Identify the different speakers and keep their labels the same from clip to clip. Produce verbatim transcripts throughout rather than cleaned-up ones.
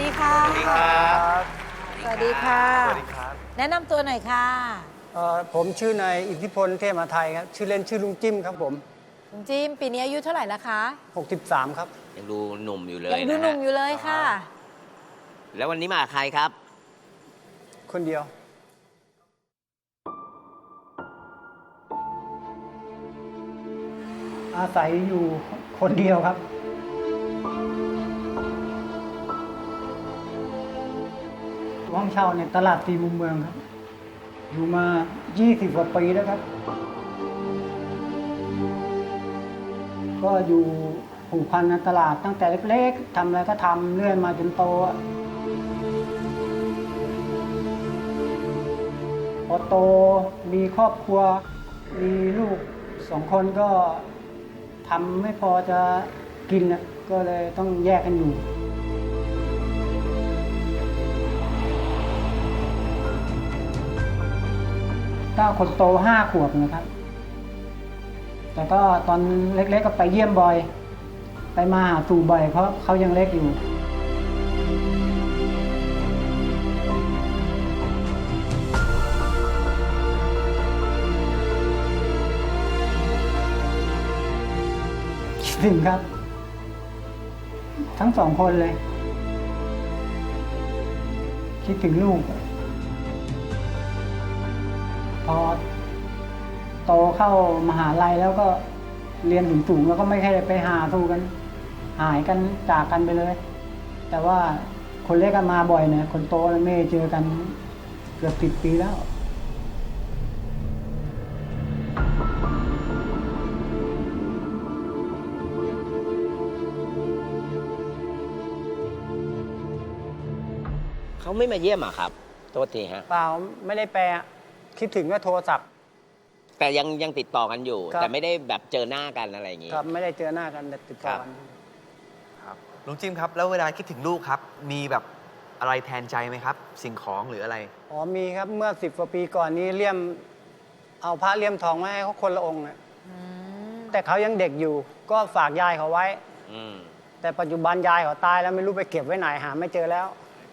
Speaker 1: ดีค่ะสวัสดีครับสวัสดีค่ะสวัสดีครับแนะนำตัวหน่อยค่ะ
Speaker 2: ผมชื่อนายอิทธิพลเทพมาไทยครับชื่อเล่นชื่อลุงจิ้มครับผม
Speaker 1: ลุงจิ้มปีนี้อายุเท่าไหร่แล้วคะ
Speaker 2: หกสิบสามครับ
Speaker 3: ยังดูหนุ่มอยู่เลย
Speaker 1: ยังดูหนุ่มอยู่เลยค่ะ
Speaker 3: แล้ววันนี้มาใครครับ
Speaker 2: คนเดียวอาศัยอยู่คนเดียวครับห้องเช่าในตลาดตีมุมเมืองครับอยู่มายี่สิบกว่าปีแล้วครับก็อยู่ผูกพันในตลาดตั้งแต่เล็กๆทำอะไรก็ทำเรื่อยมาจนโตพอโตมีครอบครัวมีลูกสองคนก็ทำไม่พอจะกินก็เลยต้องแยกกันอยู่ก็คนโตห้าขวบนะครับแต่ก็ตอนเล็กๆก็ไปเยี่ยมบ่อยไปมาหาสู่บ่อยเพราะเขายังเล็กอยู่คิดถึงครับทั้งสองคนเลยคิดถึงลูกพอโตเข้ามหาลัยแล้วก็เรียนสูงๆแล้วก็ไม่ใช่ไปหาสู่กันหายกันจากกันไปเลยแต่ว่าคนเล็กก็มาบ่อยนะคนโตไม่เจอกันเกือบสิบปีแล้ว
Speaker 3: เขาไม่มาเยี่ยมอ่ะครับโทษทีฮะ
Speaker 2: เปล่าไม่ได้แปลคิดถึงก็โทรศัพท์
Speaker 3: แต่ยังยังติดต่อกันอยู่แต่ไม่ได้แบบเจอหน้ากันอะไรอย่างงี้
Speaker 2: ครับไม่ได้เจอหน้ากันแต่ติดต่อกัน
Speaker 4: ครับลุงจิ้มครับแล้วเวลาคิดถึงลูกครับมีแบบอะไรแทนใจไหมครับสิ่งของหรืออะไร
Speaker 2: อ๋อมีครับเมื่อสิบกว่าปีก่อนนี้เลี่ยมเอาพระเลี่ยมทองมาให้เขาคนละองค์นะแต่เขายังเด็กอยู่ก็ฝากยายเขาไว้แต่ปัจจุบันยายเขาตายแล้วไม่รู้ไปเก็บไว้ไหนหาไม่เจอแล้ว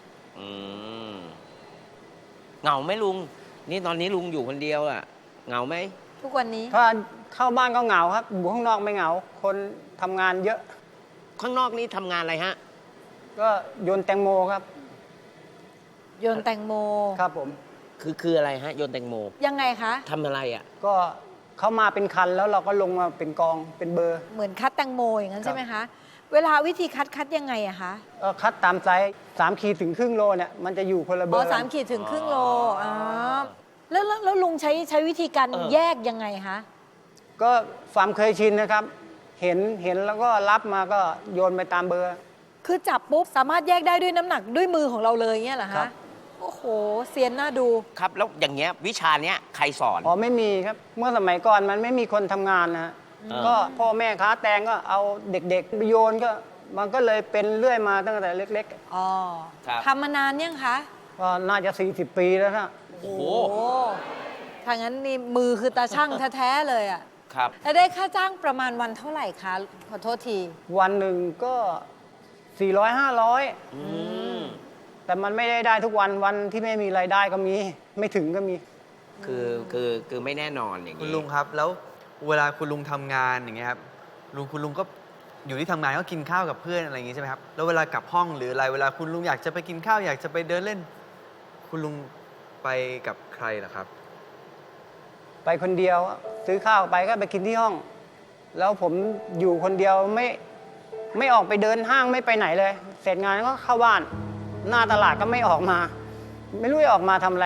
Speaker 3: เหงาไหมลุงนี่ตอนนี้ลุงอยู่คนเดียวอ่ะเหงาไหม
Speaker 1: ทุกวันนี้
Speaker 2: ถ้าเข้าบ้านก็เหงาครับอยู่ข้างนอกไม่เหงาคนทำงานเยอะ
Speaker 3: ข้างนอกนี่ทำงานอะไรฮะ
Speaker 2: ก็โยนแตงโมครับ
Speaker 1: โยนแตงโม
Speaker 2: ครับผม
Speaker 3: คือคืออะไรฮะโยนแตงโม
Speaker 1: ยังไงคะ
Speaker 3: ทำอะไรอ่ะ
Speaker 2: ก็เขามาเป็นคันแล้วเราก็ลงมาเป็นกองเป็นเบอร์
Speaker 1: เหมือนคัดแตงโมอย่างนั้นใช่ไหมคะเวลาวิธีคัดคัดยังไงอะคะ
Speaker 2: เออคัดตามไซส์สามขีดถึงครึ่งโลเนี่ยมันจะอยู่คนละเบอร์
Speaker 1: อ๋อสามขีดถึงครึ่งโลอ๋อแล้วแล้วลุงใช้ใช้วิธีการแยกยังไงคะ
Speaker 2: ก็ความเคยชินนะครับเห็นเห็นแล้วก็รับมาก็โยนไปตามเบอร์
Speaker 1: คือจับปุ๊บสามารถแยกได้ด้วยน้ำหนักด้วยมือของเราเลยเงี้ยเหรอคะโอ้โหเซียนน่าดู
Speaker 3: ครับแล้วอย่างเงี้ยวิชาเนี้ยใครสอน
Speaker 2: อ๋อไม่มีครับเมื่อสมัยก่อนมันไม่มีคนทำงานนะฮะก็พ่อแม่ค้าแตงก็เอาเด็กๆไปโยนก็มันก็เลยเป็นเรื่อยมาตั้งแต่เล็ก
Speaker 1: ๆอ๋อทำมานานยังคะ
Speaker 2: ก็น่าจะสี่สิบปีแล้วนะ
Speaker 1: โอ้โหถ้างั้นนี่มือคือตาช่างแท้ๆเลยอ่ะ
Speaker 3: ครับ
Speaker 1: แล้วได้ค่าจ้างประมาณวันเท่าไหร่คะขอโทษที
Speaker 2: วันหนึ่งก็สี่ร้อยห้าร้อยแต่มันไม่ได้ได้ทุกวันวันที่ไม่มีรายได้ก็มีไม่ถึงก็มี
Speaker 3: คือคือคือไม่แน่นอนอย่างนี้
Speaker 4: คุณลุงครับแล้วเวลาคุณลุงทำงานอย่างเงี้ยครับลุงคุณลุงก็อยู่ที่ทำงานก็กินข้าวกับเพื่อนอะไรอย่างงี้ใช่ไหมครับแล้วเวลากลับห้องหรืออะไรเวลาคุณลุงอยากจะไปกินข้าวอยากจะไปเดินเล่นคุณลุงไปกับใครล่ะครับ
Speaker 2: ไปคนเดียวซื้อข้าวไปก็ไปกินที่ห้องแล้วผมอยู่คนเดียวไม่ไม่ออกไปเดินห้างไม่ไปไหนเลยเสร็จงานก็เข้าบ้านหน้าตลาดก็ไม่ออกมาไม่รู้จะออกมาทำอะไร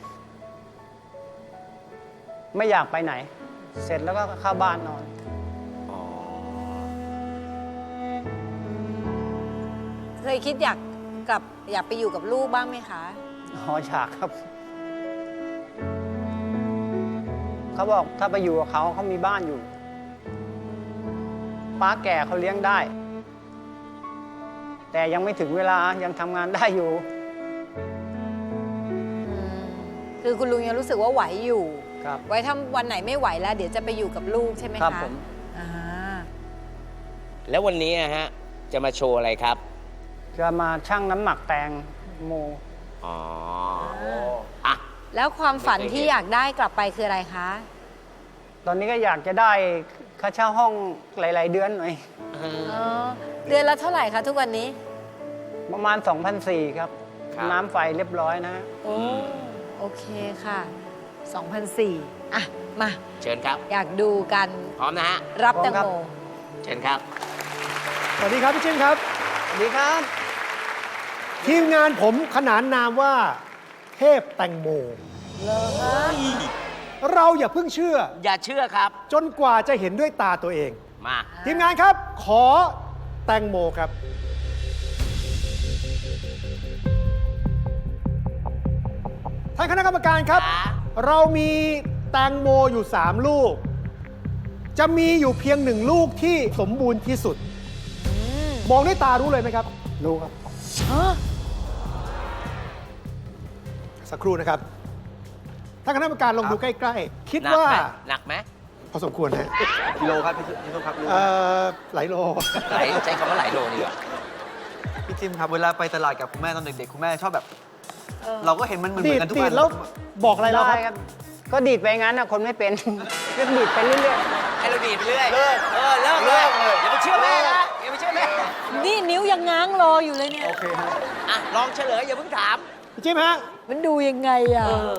Speaker 2: ไม่อยากไปไหนเสร็จแล้วก็เข้าบ้านนอน
Speaker 1: เคยคิดอยากกลับอยากไปอยู่กับลูกบ้างไหมคะ
Speaker 2: อ๋ออยากครับเขาบอกถ้าไปอยู่กับเขาเขามีบ้านอยู่ป้าแก่เขาเลี้ยงได้แต่ยังไม่ถึงเวลายังทำงานได้อยู่
Speaker 1: คือคุณลุงยังรู้สึกว่าไหวอยู่
Speaker 2: ครับ
Speaker 1: ไว้ถ้าวันไหนไม่ไหวแล้วเดี๋ยวจะไปอยู่กับลูกใช่ไหมคะ
Speaker 2: ครับผม
Speaker 1: อ่า
Speaker 3: แล้ววันนี้ฮะจะมาโชว์อะไรครับ
Speaker 2: จะมาชั่งน้ำหนักแตงโม
Speaker 3: อ๋ออ่ะ
Speaker 1: แล้วความฝันที่อยากได้กลับไปคืออะไรคะ
Speaker 2: ตอนนี้ก็อยากจะได้ค่าเช่าห้องหลาย ๆ เดือนหน่อย
Speaker 1: อ๋อ เดือนละเท่าไหร่คะทุกวันนี้
Speaker 2: ประมาณ สองพันสี่ร้อย ครับ
Speaker 3: ครับ
Speaker 2: น้ำไฟเรียบร้อยนะ
Speaker 1: โอ้ โอเคค่ะ สองพันสี่ร้อย อ่ะ มา
Speaker 3: เชิญครับ
Speaker 1: อยากดูกัน
Speaker 3: พร้อมนะฮะ
Speaker 1: รับ
Speaker 2: พร้
Speaker 1: แต
Speaker 2: อม
Speaker 1: ง
Speaker 2: ครับ
Speaker 1: โม
Speaker 3: เชิญครับ
Speaker 5: สวัสดีครับพี่จิ้มครับ
Speaker 2: สวัสดีครับ
Speaker 5: ทีมงานผมขนานนามว่าเทพแตงโม
Speaker 1: เลอฮะ
Speaker 5: เราอย่าเพิ่งเชื่อ
Speaker 3: อย่าเชื่อครับ
Speaker 5: จนกว่าจะเห็นด้วยตาตัวเอง
Speaker 3: มา
Speaker 5: ทีมงานครับ ขอแตงโมครับ ท่านคณะกรรมการครับ
Speaker 3: ค่ะ
Speaker 5: เรามีแตงโมอยู่ สาม ลูก จะมีอยู่เพียงหนึ่งลูกที่สมบูรณ์ที่สุด มองด้วยตารู้เลยไหมครับ
Speaker 2: รู้ครับ
Speaker 1: ฮะ
Speaker 5: สักครู่นะครับ ท่านคณะกรรมการลองดูใกล้ๆ คิด
Speaker 3: หนัก
Speaker 5: ว่า
Speaker 3: ไหมหนักไหม
Speaker 5: พอสมควรฮะ
Speaker 4: กิโลครับพี่พี่ส้มครับรู้ไหม
Speaker 5: เอ่อหลายโล
Speaker 3: ไหลใช้คำว่าไหลโลดีกว่า
Speaker 4: พี่จิมครับเวลาไปตลาดกับคุณแม่ตอนเด็กๆคุณแม่ชอบแบบ
Speaker 1: เออ
Speaker 4: เราก็เห็นมันเหมือน
Speaker 5: ดีด
Speaker 4: กันทุก
Speaker 5: ดี
Speaker 4: วั
Speaker 5: ด
Speaker 4: น
Speaker 5: แล้วบอกอะไรเราค
Speaker 2: ได้
Speaker 5: รับ
Speaker 2: ครับ ก็ดีดไปงั้นนะคนไม่เป็น เรียกดีดไปเรื่อย
Speaker 3: ให้เราดีดไปเรื่อย
Speaker 4: เลิก
Speaker 3: เออ เลิก
Speaker 4: เลิก
Speaker 3: เล
Speaker 4: เลย ย
Speaker 3: อย่าไปเชื่อแม่นะอย่าไปเชื่อแม่
Speaker 1: นี่นิ้วยังง้างรออยู่เลยเนี่ย
Speaker 2: โอเคฮะ
Speaker 3: อ่ะ ลองเฉลย อย่าเพิ่งถาม
Speaker 5: พี่จิ้มฮะ
Speaker 1: มันดูยังไงอ่ะ
Speaker 3: เออ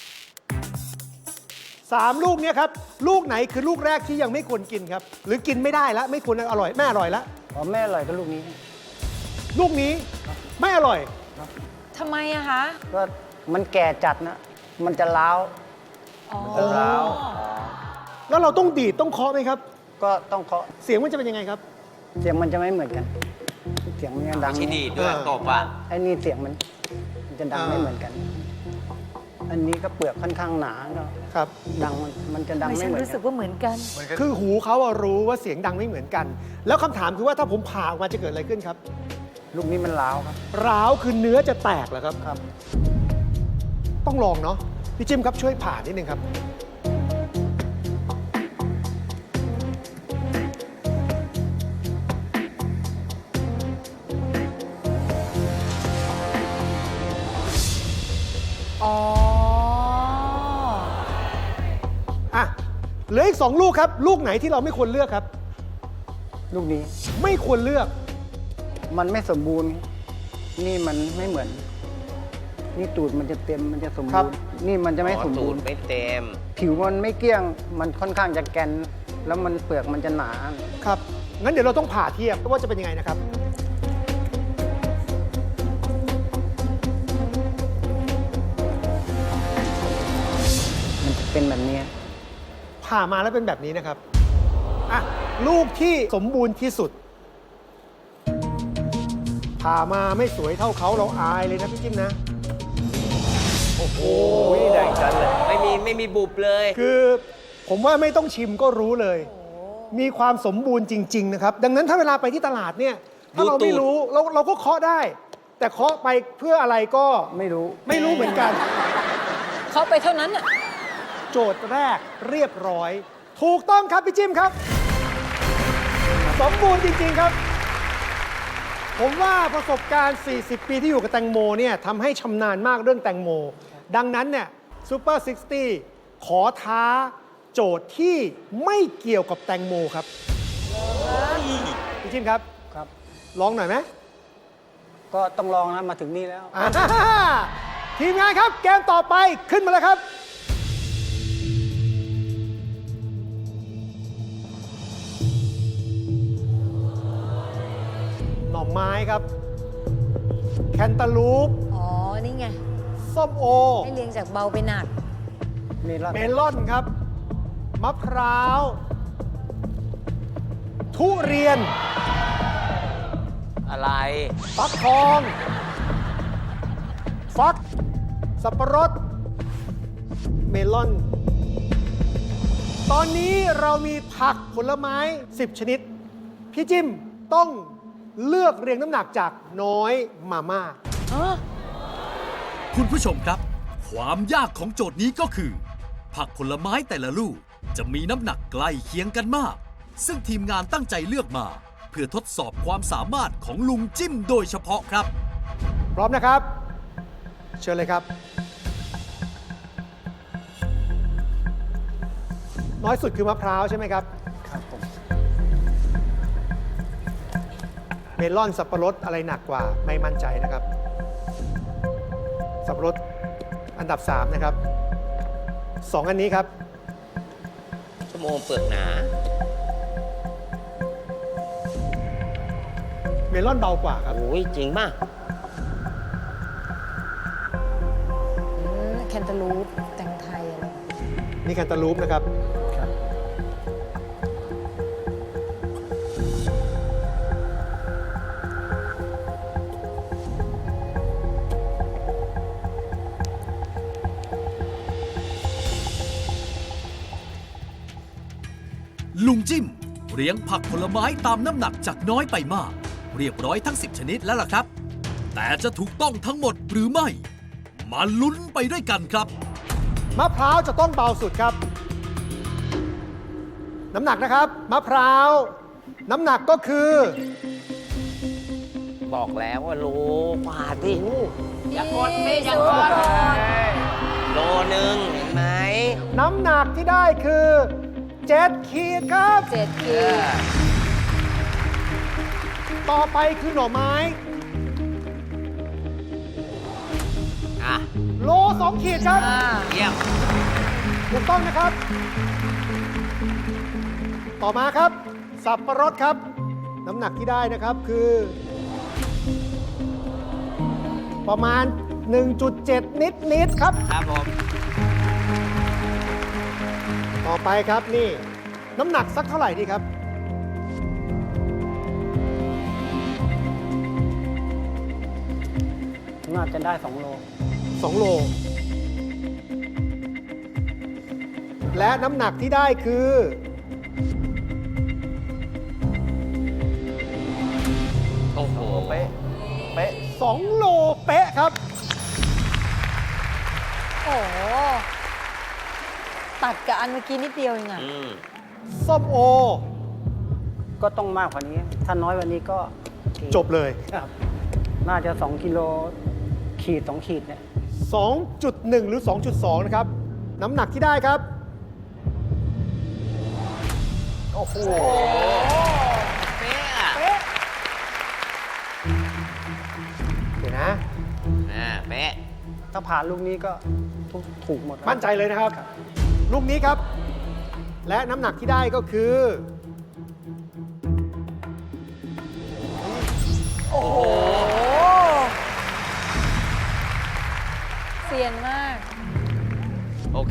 Speaker 5: สามลูกเนี้ยครับ ลูกไหนคือลูกแรกที่ยังไม่ควรกินครับ หรือกินไม่ได้แล้วไม่ควรอร่อยไม่อร่อยแล้ว
Speaker 2: พอแม่อร่อยก็ลูกนี้
Speaker 5: ลูกนี้ไม่อร่อย
Speaker 1: ทำไมอะคะ
Speaker 2: ก็มันแก่จัดนะ มันจะล้าว
Speaker 1: อ๋อ
Speaker 2: จะร้าว
Speaker 5: แล้วเราต้องดีดต้องเคาะไหมครับ
Speaker 2: ก็ต้องเคาะ
Speaker 5: เสียงมันจะเป็นยังไงครับ
Speaker 2: เสียงมันจะไม่เหมือนกัน เสียงมันจะดัง
Speaker 3: ไม่ใช่ดีดด้วย
Speaker 5: เออ
Speaker 3: ตบอ่ะ
Speaker 2: ไอ้นี่เสียงมันมันจะดัง
Speaker 5: อ่า
Speaker 2: ไม่เหมือนกัน อันนี้ก็เปลือกค่อนข้างหนาก็
Speaker 5: ครับ
Speaker 2: ดังมันมันจะดัง
Speaker 1: ไม่
Speaker 2: ไม่
Speaker 1: ฉัน
Speaker 2: เหมือน
Speaker 1: รู้สึ
Speaker 2: กั
Speaker 1: ก
Speaker 2: น
Speaker 1: ว่าเหมือนกัน
Speaker 5: คือหูเขาอะรู้ว่าเสียงดังไม่เหมือนกัน แล้วคำถามคือว่าถ้าผมผ่าออกมาจะเกิดอะไรขึ้นครับ
Speaker 2: ลูกนี้มันล้าวครับ
Speaker 5: ร้าวคือเนื้อจะแตกเหรอครับ
Speaker 2: ครับ
Speaker 5: ต้องลองเนาะพี่จิ้มครับช่วยผ่านิดนึงครับ
Speaker 1: อ๋อ
Speaker 5: อ่ะเหลืออีกสองลูกครับ ลูกไหนที่เราไม่ควรเลือกครับ
Speaker 2: ลูกนี้
Speaker 5: ไม่ควรเลือก
Speaker 2: มันไม่สมบูรณ์ นี่มันไม่เหมือน นี่ตูดมันจะเต็มมันจะสม
Speaker 5: ครั
Speaker 2: บู
Speaker 5: บ
Speaker 2: รณ์ นี่มันจะไม่สม
Speaker 3: ตู
Speaker 2: บู
Speaker 3: ด
Speaker 2: รณ์
Speaker 3: ไม่เต็ม
Speaker 2: ผิวมันไม่เกลี้ยง มันค่อนข้างจะแกน แล้วมันเปลือกมันจะหนา
Speaker 5: ครับ งั้นเดี๋ยวเราต้องผ่าเทียบว่าจะเป็นยังไงนะครับ
Speaker 2: มันจะเป็นแบบนี้
Speaker 5: ผ่ามาแล้วเป็นแบบนี้นะครับ อ่ะ ลูกที่สมบูรณ์ที่สุด ผ่ามาไม่สวยเท่าเขาเราอายเลยนะพี่จิ้มนะ โอ้โหแดงจัดเลย
Speaker 3: ไม่มีไม่มีบุบเลย
Speaker 5: คือผมว่าไม่ต้องชิมก็รู้เลย มีความสมบูรณ์จริง ๆ นะครับ ดังนั้นถ้าเวลาไปที่ตลาดเนี่ย ถ้าเราไม่รู้เราเราก็เคาะได้ แต่เคาะไปเพื่ออะไรก็
Speaker 2: ไม่รู้
Speaker 5: ไม่รู้เหมือนกัน
Speaker 1: เขาไปเท่านั้นอ่ะ
Speaker 5: โจทย์แรกเรียบร้อย ถูกต้องครับพี่จิ้มครับ สมบูรณ์จริง ๆ ครับ ผมว่าประสบการณ์ สี่สิบ ปีที่อยู่กับแตงโมเนี่ยทำให้ชำนาญมากเรื่องแตงโม ดังนั้นเนี่ยซูเปอร์ซิกตี้ขอท้าโจทย์ที่ไม่เกี่ยวกับแตงโมครับ พี่จิ้มครับ
Speaker 2: ครับ
Speaker 5: ลองหน่อยไหม
Speaker 2: ก็ต้องลองนะมาถึงนี่แล้ว
Speaker 5: อ่าทีมงานครับเกมต่อไปขึ้นมาเลยครับ หน่อไม้ครับ แคนตาลูป
Speaker 1: อ๋อ นี่ไง
Speaker 5: ส้มโอ
Speaker 1: ให้เรียงจากเบาไปหนัก
Speaker 2: มีรอด
Speaker 5: เมลอนครับ มะพร้าว ทุเรียน
Speaker 3: อะไร
Speaker 5: ฟักทอง ฟัก สับปะรด เมลอน ตอนนี้เรามีผักผลไม้ สิบ ชนิด พี่จิ้มต้องเลือกเรียงน้ำหนักจากน้อยมามาก
Speaker 6: คุณผู้ชมครับ ความยากของโจทย์นี้ก็คือ ผักผลไม้แต่ละลูกจะมีน้ำหนักใกล้เคียงกันมาก ซึ่งทีมงานตั้งใจเลือกมาเพื่อทดสอบความสามารถของลุงจิ้มโดยเฉพาะครับ
Speaker 5: พร้อมนะครับ เชิญเลยครับ น้อยสุดคือมะพร้าวใช่ไหมครับ
Speaker 2: ครับผม
Speaker 5: เมลอนสับปะรดอะไรหนักกว่าไม่มั่นใจนะครับ สับปะรดอันดับสามนะครับสองอันนี้ครับ
Speaker 3: ชั่วโมงเปลือกหนา
Speaker 5: เมลอนเบากว่าครับ
Speaker 3: โอ้ยจริงป่ะ
Speaker 1: แคนตาลูปแตงไทยอะไร
Speaker 5: นี่แคนตาลูปนะครับ
Speaker 2: ครับ
Speaker 6: ลุงจิ้มเรียงผักผลไม้ตามน้ำหนักจากน้อยไปมาก เรียบร้อยทั้งสิบชนิดแล้วล่ะครับ แต่จะถูกต้องทั้งหมดหรือไม่ มาลุ้นไปด้วยกันครับ
Speaker 5: มะพร้าวจะต้องเบาสุดครับ น้ำหนักนะครับ มะพร้าว น้ำหนักก็คือ
Speaker 3: บอกแล้วว่าโลกว่าที่
Speaker 1: อย่ากดไม่อย่ากด
Speaker 3: โลหนึ่งเห็นไหม
Speaker 5: น้ำหนักที่ได้คือเจ็ดขีดครับ
Speaker 1: เจ็ดขีด
Speaker 5: ต่อไปคือหน่อไม้
Speaker 3: อ่ะ
Speaker 5: โลสองขีดครับ
Speaker 1: อ่า
Speaker 3: เยี่ยม
Speaker 5: ถูกต้องนะครับ ต่อมาครับ สับปะรดครับ น้ำหนักที่ได้นะครับคือ ประมาณ หนึ่งจุดเจ็ด นิดนิดๆครับ
Speaker 3: ครับผม
Speaker 5: ต่อไปครับนี่ น้ำหนักสักเท่าไหร่ดีครับ
Speaker 2: น่าจะได้สองโล
Speaker 5: สอง โล และน้ำหนักที่ได้คือ
Speaker 3: โอ้โห
Speaker 4: เป๊ะ เป๊ะ
Speaker 5: สอง โลเป๊ะครับ
Speaker 1: โอ้โหตัดกับอันเมื่อกี้นิดเดียวเองอะ
Speaker 3: อืม
Speaker 5: ส้มโอ
Speaker 2: ก็ต้องมากกว่านี้ ถ้าน้อยกว่านี้ก็ขีด
Speaker 5: จบเลย
Speaker 2: ครับ น่าจะสองกิโลขีดสองขีดเนี่ย
Speaker 5: สองจุดหนึ่ง หรือ สองจุดสอง นะครับ น้ำหนักที่ได้ครับ
Speaker 3: โอ้โห เป๊ะอะ
Speaker 5: เป๊ะเดี๋ยวนะ
Speaker 3: อ่าเป๊ะ
Speaker 2: ถ้าผ่านลูกนี้ก็ทุกถูกหมดแล้ว
Speaker 5: มั่นใจเลยนะครับ ลูกนี้ครับ และน้ำหนักที่ได้ก็คือ
Speaker 1: โอ้โหเซียนมาก
Speaker 3: โอเค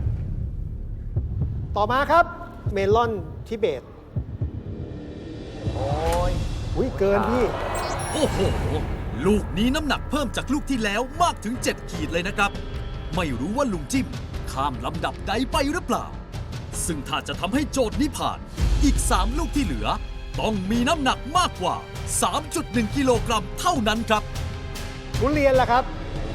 Speaker 5: ต่อมาครับ เมลอนทิเบต
Speaker 4: โอ้ย
Speaker 5: อุ้ยเกินพี่
Speaker 6: โอ้โห ลูกนี้น้ำหนักเพิ่มจากลูกที่แล้วมากถึงเจ็ดขีดเลยนะครับ ไม่รู้ว่าลุงจิ้มข้ามลำดับใดไปหรือเปล่า ซึ่งถ้าจะทำให้โจทย์นี้ผ่าน อีกสามลูกที่เหลือ ต้องมีน้ำหนักมากกว่า สามจุดหนึ่ง กิโลกรัมเท่านั้นครับ
Speaker 5: ทุเรียนล่ะครับ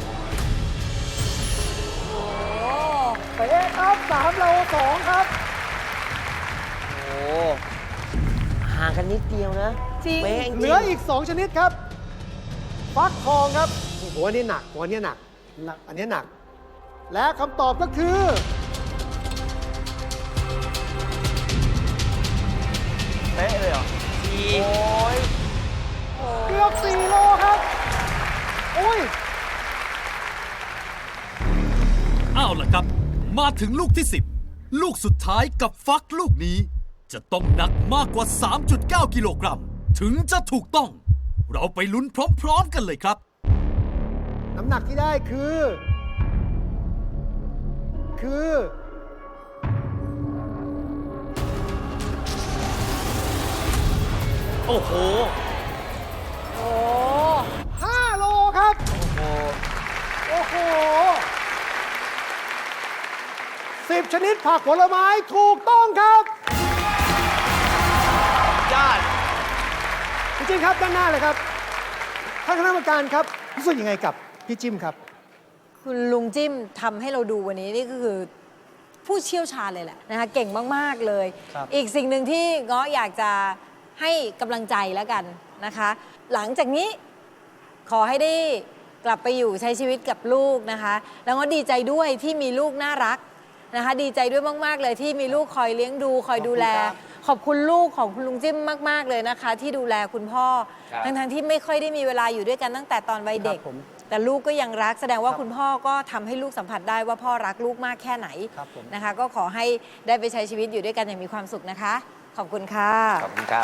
Speaker 1: โอ้
Speaker 5: เป๊ะครับสามโลสองครับ
Speaker 3: โอ้ห่างกันนิดเดียวนะ
Speaker 1: จริง
Speaker 3: เป๊ะจริง
Speaker 5: เหลืออีก สอง ชนิดครับ ฟักทองครับโอ้โหอันนี้หนักอันนี้หนัก
Speaker 2: หนัก
Speaker 5: อันนี้หนัก และคำตอบก็คือ
Speaker 4: เป๊ะเลยเหรอ
Speaker 3: ที
Speaker 4: โอ้ย
Speaker 5: เกือบสี่โลครับ โอ้ย
Speaker 6: เอาล่ะครับ มาถึงลูกที่ สิบ ลูกสุดท้ายกับฟักลูกนี้ จะต้องหนักมากกว่า สามจุดเก้า กิโลกรัม ถึงจะถูกต้อง เราไปลุ้นพร้อมๆกันเลยครับ
Speaker 5: น้ำหนักที่ได้คือ คือ
Speaker 3: โอ้โห
Speaker 1: โอ้
Speaker 5: ห้า โลครับ
Speaker 3: โอ้โห
Speaker 5: โอ้โหสิบชนิดผักผลไม้ถูกต้องครับ
Speaker 3: ยอด
Speaker 5: พี่จิ้มครับด้านหน้าเลยครับท่านคณะกรรมการครับรู้สึกยังไงกับพี่จิ้มครับ
Speaker 1: คุณลุงจิ้มทำให้เราดูวันนี้นี่ก็คือผู้เชี่ยวชาญเลยแหละนะคะเก่งมาก ๆ เลย
Speaker 2: ครับ
Speaker 1: อีกสิ่งหนึ่งที่เงาะอยากจะให้กำลังใจแล้วกันนะคะ หลังจากนี้ขอให้ได้กลับไปอยู่ใช้ชีวิตกับลูกนะคะ แล้วก็ดีใจด้วยที่มีลูกน่ารักนะคะ ดีใจด้วยมากๆเลยที่มีลูกคอยเลี้ยงดูคอยดูแล ขอบคุณลูกของคุณลุงจิ้มมากๆเลยนะคะ ที่ดูแลคุณพ่อ
Speaker 3: ครับ
Speaker 1: ทั้งๆที่ไม่ค่อยได้มีเวลาอยู่ด้วยกันตั้งแต่ตอนวัยเด็ก
Speaker 2: ครับผม
Speaker 1: แต่ลูกก็ยังรักแสดงว่า
Speaker 2: ครับ
Speaker 1: คุณพ่อก็ทำให้ลูกสัมผัสได้ว่าพ่อรักลูกมากแค่ไหน
Speaker 2: ครับผม
Speaker 1: นะคะ ก็ขอให้ได้ไปใช้ชีวิตอยู่ด้วยกันอย่างมีความสุขนะคะ ขอบคุณค่ะ
Speaker 3: ขอบคุณครับ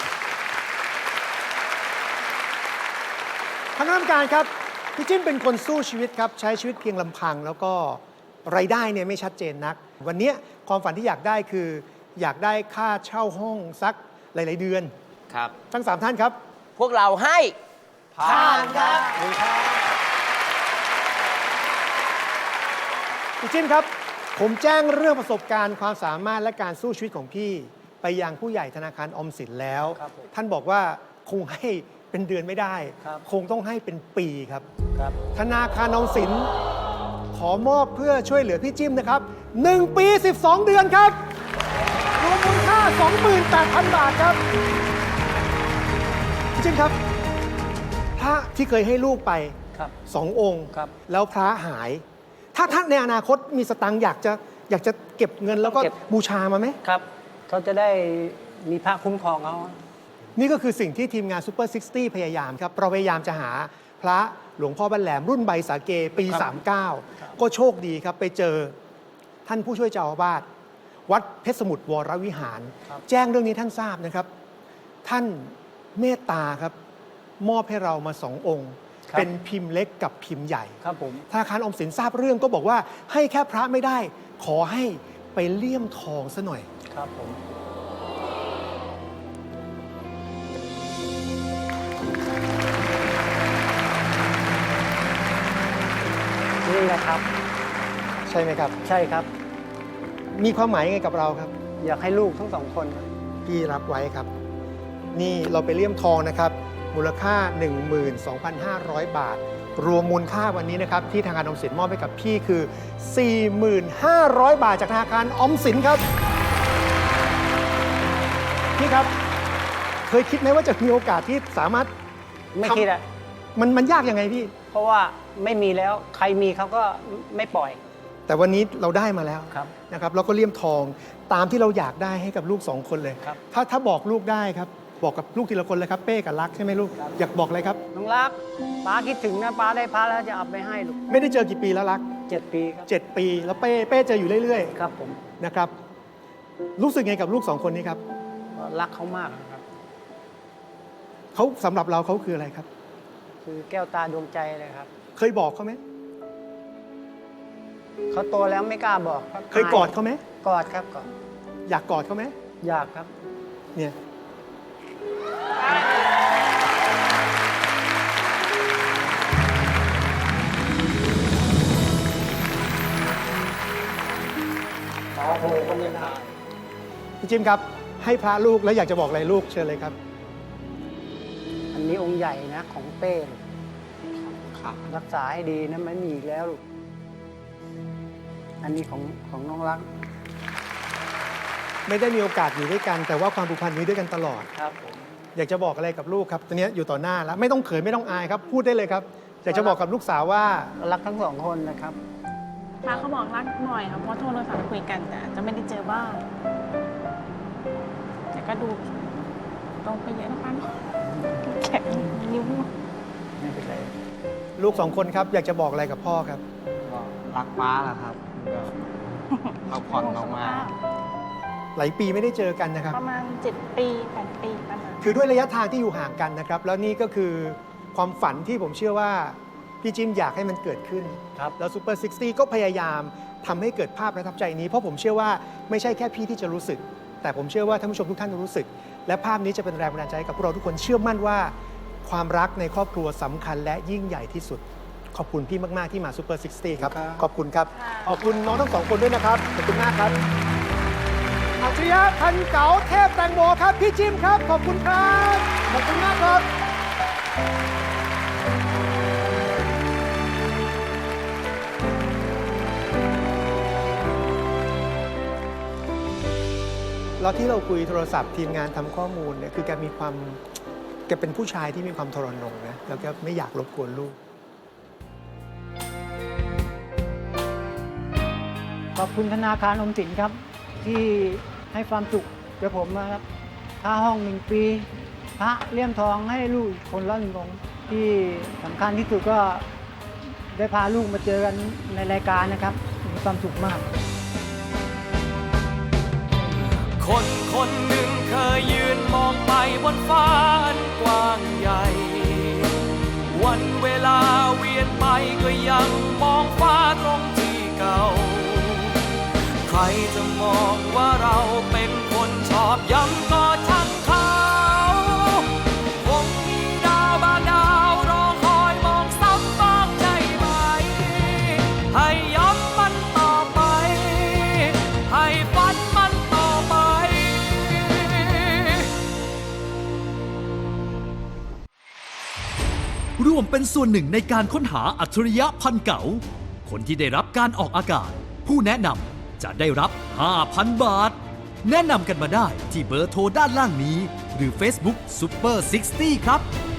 Speaker 5: คณะกรรมการครับพี่จิ้มเป็นคนสู้ชีวิตครับใช้ชีวิตเพียงลำพัง แล้วก็รายได้เนี่ยไม่ชัดเจนนัก วันนี้ความฝันที่อยากได้คือ อยากได้ค่าเช่าห้องสักหลาย ๆ เดือน
Speaker 3: ครับ
Speaker 5: ทั้งสามท่านครับ
Speaker 3: พวกเราให้
Speaker 5: ผ่านครับพี่จิ้มครับ ผมแจ้งเรื่องประสบการณ์ความสามารถและการสู้ชีวิตของพี่ ไปยังผู้ใหญ่ธนาคารออมสินแล้ว
Speaker 2: ครับผม
Speaker 5: ท่านบอกว่าคงให้เป็นเดือนไม่ได้
Speaker 2: ครับ
Speaker 5: คงต้องให้เป็นปีครับ
Speaker 2: ครับ
Speaker 5: ธนาคารออมสินขอมอบเพื่อช่วยเหลือพี่จิ้มนะครับหนึ่งปีสิบสองเดือนครับรวมมูลค่า สองหมื่นแปดพัน บาทครับพี่จิ้มครับ พระที่เคยให้ลูกไป
Speaker 2: ครับ
Speaker 5: สององค์
Speaker 2: ครับ
Speaker 5: แล้วพระหาย ถ้าท่านในอนาคตมีสตังค์อยากจะอยากจะเก็บเงินแล้วก็
Speaker 2: เก็บ
Speaker 5: บูชามาไหม
Speaker 2: ครับเขาจะได้มีพระคุ้มครองเขา
Speaker 5: นี่ก็คือสิ่งที่ทีมงาน Super ซิกตี้ พยายามครับ เราพยายามจะหาพระหลวงพ่อบ้านแหลมรุ่นใบสาเกปี
Speaker 2: ครับ
Speaker 5: สามเก้า ก็โชคดีครับ ไปเจอท่านผู้ช่วยเจ้าอาวาสวัดเพชรสมุทรวรวิหาร แจ้งเรื่องนี้ท่านทราบนะครับ ท่านเมตตาครับ มอบให้เรามาสององค์
Speaker 2: ครับ
Speaker 5: เป็นพิมพ์เล็กกับพิมพ์ใหญ่
Speaker 2: ครับผม
Speaker 5: ธนาคารออมสินทราบเรื่องก็บอกว่าให้แค่พระไม่ได้ ขอให้ไปเลี่ยมทองซะหน่อย
Speaker 2: ครับผม นี่แหละครับ
Speaker 5: ใช่ไหมครับ
Speaker 2: ใช่ครับ
Speaker 5: มีความหมายยังไงกับเราครับ
Speaker 2: อยากให้ลูกทั้งสองคน
Speaker 5: พี่รับไว้ครับ นี่เราไปเลี่ยมทองนะครับ มูลค่า หนึ่งหมื่นสองพันห้าร้อย บาท รวมมูลค่าวันนี้นะครับ ที่ธนาคารออมสินมอบให้กับพี่คือ สี่หมื่นห้าร้อย บาทจากธนาคารออมสินครับพี่ครับ เคยคิดไหมว่าจะมีโอกาสที่สามารถ
Speaker 2: ไม่
Speaker 5: ทำ
Speaker 2: คิดอะ
Speaker 5: มันมันยากยังไงพี่
Speaker 2: เพราะว่าไม่มีแล้วใครมีเขาก็ไม่ปล่อย
Speaker 5: แต่วันนี้เราได้มาแล้ว
Speaker 2: ครับ
Speaker 5: นะครับแล้วก็เลี่ยมทองตามที่เราอยากได้ให้กับลูกสองคนเลย
Speaker 2: ครับ
Speaker 5: ถ้าถ้าบอกลูกได้ครับ บอกกับลูกทีละคนเลยครับเป้กับรักใช่ไหมลูก อยากบอกอะไรครับ
Speaker 2: น้องรักป้าคิดถึงนะป้าได้พระแล้วจะเอาไปให้ลูก
Speaker 5: ไม่ได้เจอกี่ปีแล้วรัก
Speaker 2: เจ็ดปีครับ
Speaker 5: เจ็ดปี แล้วเป้เป้เจออยู่เรื่อย
Speaker 2: ครับผม
Speaker 5: ๆนะครับรู้สึกไงกับลูกสองคนนี้ครับ
Speaker 2: รักเขามากนะครับ
Speaker 5: เขาสำหรับเราเขาคืออะไรครับ
Speaker 2: คือแก้วตาดวงใจเลยครับ
Speaker 5: เคยบอกเขาไหม
Speaker 2: เขาโตแล้วไม่กล้าบอกครับ
Speaker 5: เคยกอดเขาไหม
Speaker 2: กอดครับกอด
Speaker 5: อยากกอดเขาไหม
Speaker 2: อยากครับ
Speaker 5: เนี่ยพี่จิมครับ ให้พระลูกแล้วอยากจะบอกอะไรลูกเชิญเลยครับ
Speaker 2: อันนี้องค์ใหญ่นะของเป้ลูก
Speaker 3: ครับ
Speaker 2: รักษาให้ดีนะไม่มีอีกแล้วลูกอันนี้ของของน้องรัก
Speaker 5: ไม่ได้มีโอกาสอยู่ด้วยกัน แต่ว่าความผูกพันมีด้วยกันตลอด
Speaker 2: ครับผม
Speaker 5: อยากจะบอกอะไรกับลูกครับตอนนี้อยู่ต่อหน้าแล้วไม่ต้องเขินไม่ต้องอายครับ พูดได้เลยครับ อยากจะบอกกับลูกสาวว่า
Speaker 2: รักทั้งสองคนนะครับ
Speaker 7: พาเขาบอกรักหน่อยครับเพราะโทรศัพท์คุยกันแต่จะไม่ได้เจอบ้างแต่ก็ดูตรงไปเยอะนะคะแข็งนิ้ว
Speaker 2: ไม่เป็นไร
Speaker 5: ลูกสองคนครับ อยากจะบอกอะไรกับพ่อครับ
Speaker 8: ก็รักป้าแหละครับก็พักผ่อนมาก
Speaker 5: หลายปีไม่ได้เจอกันนะครับ
Speaker 7: ประมาณเจ็ดปีแปดปีประมาณ
Speaker 5: คือด้วยระยะทางที่อยู่ห่างกันนะครับ แล้วนี่ก็คือความฝันที่ผมเชื่อว่าพี่จิมอยากให้มันเกิดขึ้น
Speaker 2: ครับ
Speaker 5: แล้วซูเปอร์ซิกตี้ก็พยายามทำให้เกิดภาพประทับใจนี้ เพราะผมเชื่อว่าไม่ใช่แค่พี่ที่จะรู้สึก แต่ผมเชื่อว่าท่านผู้ชมทุกท่านจะรู้สึก และภาพนี้จะเป็นแรงบันดาลใจให้กับพวกเราทุกคนเชื่อมั่นว่า ความรักในครอบครัวสำคัญและยิ่งใหญ่ที่สุด ขอบคุณพี่มากๆที่มาซูเปอร์ซิกตี้ครับ
Speaker 2: ครับ
Speaker 5: ขอบคุณครับ ขอบคุณน้องทั้งสองคนด้วยนะครับขอบคุณมากครับอัจฉริยะพันเก๋าเทพแตงโมครับพี่จิมครับขอบคุณครับขอบคุณมากครับแล้วที่เราคุยโทรศัพท์ทีมงานทำข้อมูลเนี่ยคือแกมีความแกเป็นผู้ชายที่มีความทรนงนะแล้วก็ไม่อยากรบกวนลูก
Speaker 2: ขอบคุณธนาคารออมสินครับ ที่ให้ความสุขแก่ผมนะครับค่าห้องหนึ่งปีพระเลี่ยมทองให้ลูกคนละหนึ่งองค์ที่สำคัญที่สุดก็ได้พาลูกมาเจอกันในรายการนะครับมีความสุขมาก
Speaker 9: คนคนหนึ่งเคยยืนมองไปบนฟ้าอันกว้างใหญ่ วันเวลาเวียนไปก็ยังมองฟ้าตรงที่เก่า ใครจะมองว่าเราเป็นคนชอบย้ำก็ช่างเขาคงมีดาวบางดาวรอคอยมองซ้ำบ้างใช่ไหม ให้ย้ำมันต่อไป ให้ฝันมันต่อไป
Speaker 6: ร่วมเป็นส่วนหนึ่งในการค้นหาอัจฉริยะพันเก๋าคนที่ได้รับการออกอากาศ ผู้แนะนำจะได้รับ ห้าพัน บาท แนะนำกันมาได้ที่เบอร์โทรด้านล่างนี้ หรือ Facebook Super หกสิบ ครับ